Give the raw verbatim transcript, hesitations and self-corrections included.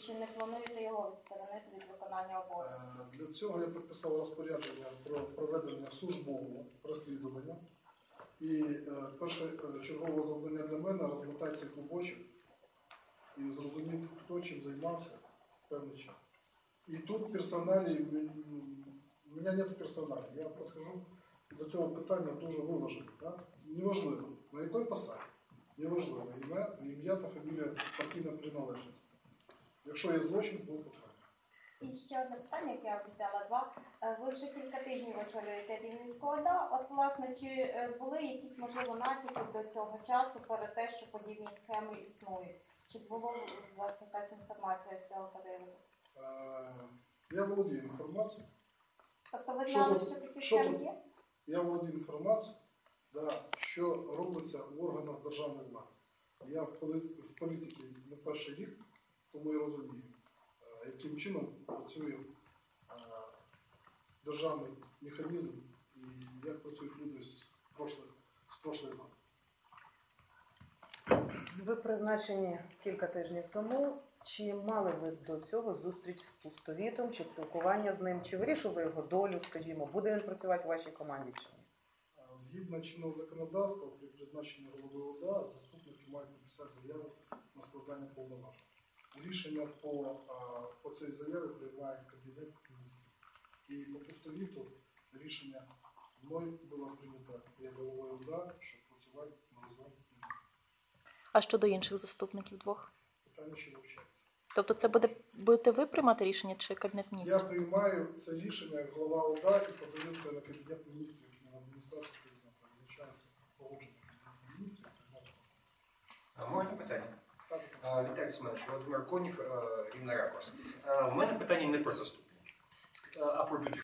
чи не плануєте його відсторонити від виконання обов'язків? Е, Для цього я підписав розпорядження про проведення службового розслідування. І е, перше е, чергове завдання для мене розмотати цей клубочок і зрозуміти, хто чим займався в певний час. І тут персоналі, у мене немає персоналі. Я підходжу до цього питання дуже виважено. Да? Неважливо, на якій посаді, неважливо ім'я, ім'я та фамілія, партійна приналежність. Якщо є злочин, то потрібно. І ще одне питання, яке я обіцяла два. Е, Ви вже кілька тижнів очолюєте Рівненську ОДА. От, власне, чи е, були якісь, можливо, натяки до цього часу про те, що подібні схеми існують? Чи було у вас якась інформація з цього приводу? Е, Я володію інформацією. Тобто ви Що знали, тут- що такі що схеми тут? є? Я володію інформацією, да, що робиться в органах державної влади. Я в, полит... в політиці не перший рік, тому я розумію, е, яким чином працює е, державний механізм і як працюють люди з прошлих, з прошлої влади. Ви призначені кілька тижнів тому. Чи мали ви до цього зустріч з Пустовітом, чи спілкування з ним, чи вирішили його долю, скажімо, буде він працювати в вашій команді чи ні? Е, Згідно чинного законодавства, при призначенні голови ОДА заступники мають написати заяву на складання повноважень. Рішення по, е, по цій заяві приймає Кабінет міністрів. І по Пустовіту рішення мною було прийнято як головою ОДА, щоб працювати на разом. А щодо інших заступників двох? Питання ще вивчається. Тобто це буде, будете ви приймати рішення чи Кабінет Я міністрів? приймаю це рішення як голова ОДА і подаю це на Кабінет міністрів і на адміністрацію президента. Визначається погодження Кабінету міністрів. А, Можна питання? Так, А, Віталій Семенович, Володимир Конів, е, Рівний ракурс. Е, У мене питання не про заступників, е, а про бюджет.